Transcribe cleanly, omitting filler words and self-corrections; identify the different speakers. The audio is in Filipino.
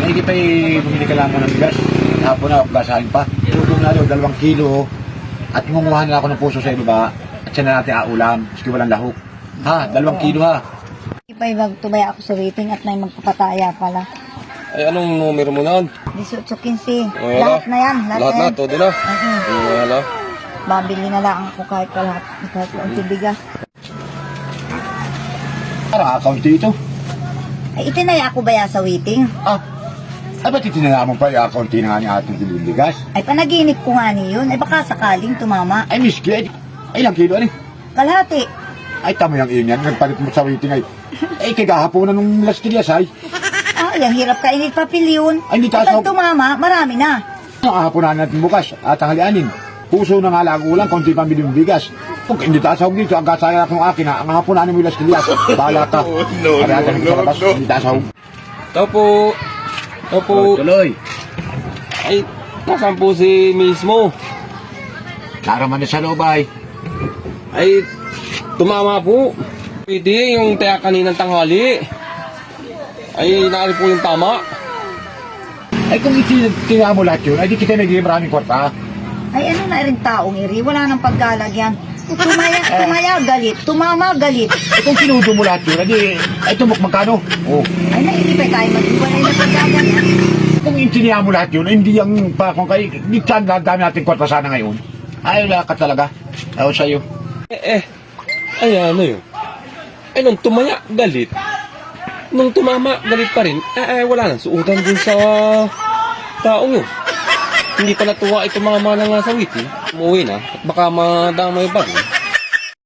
Speaker 1: Maigi pa bumili ka lang ng bigas. Hapon na, basahin pa. Tulong na daw, 2 kilo. At ngunguhan na ako ng puso sa ibaba. At siya na natin aulam. Maski walang lahok. Ha, 2 kilo ha.
Speaker 2: Ipay magtubay ako sa waiting at may magpapataya pala.
Speaker 3: Ay, anong numero mo na?
Speaker 2: 18-15.
Speaker 3: Wala.
Speaker 2: Lahat na yan.
Speaker 3: Lahat na, todo na. Wala.
Speaker 2: Babili na lang ako kahit lahat. Kahit ang bigas.
Speaker 1: Para account dito.
Speaker 2: Ay, itinaya ako ba yan sa waiting?
Speaker 1: Ah, ay ba't itinala mo pa yung account na nga ni ating bigas?
Speaker 2: Ay, panaginip ko nga niyon. Ay, baka sakaling tumama.
Speaker 1: Ay, miski, ay ilang kilo ano?
Speaker 2: Kalahati.
Speaker 1: Ay, tama yung iyon yan. Nagpalit mo sa waiting ay. Ay, kagahaponan nung Las Tilias ay.
Speaker 2: Ay, ang hirap kainit papel yun.
Speaker 1: Ay, hindi
Speaker 2: Kapag
Speaker 1: tasawag.
Speaker 2: tumama, marami na.
Speaker 1: Ang hahaponan natin bukas at tanghalianin. Puso na nga lang ulang, konti pa biling bigas. Kung hindi tasawag dito, ang kasaya ng akin ha, ang hahaponanin mo yung Las Tilias. Bahala ka. Hindi tasawag.
Speaker 3: Tao po. Tao po.
Speaker 1: Tuloy.
Speaker 3: Ay, nasaan po si mismo?
Speaker 1: Naraman na sa loob ay.
Speaker 3: Ay, tumama po. Pwede yung taya kaninang tanghali. Ay, naari po yung tama.
Speaker 1: Ay kung itinala mo lahat yun, ay di kita nagiging maraming kwarta.
Speaker 2: Ay, ano na rin taong iri. Wala nang paggalagyan. Tumaya, galit. Tumama, galit.
Speaker 1: Ay kung kinudo mo lahat yun, ay tumok magkano? Oh.
Speaker 2: Ay, nainipay tayo mag-iwalay na paggalagyan.
Speaker 1: Kung itinala mo lahat yun, hindi yung pa kung kayo, di saan dami natin kwarta sana ngayon. Ay, wala ka talaga. Ayaw sa'yo.
Speaker 3: Ay, ano yun? Ay, nung tumaya, galit. Nung tumama, galit pa rin. Wala nang suutan dun sa taong yun. Hindi pa natuwa itong mga manang nasa witi. Umuwi na at baka madamay pa rin.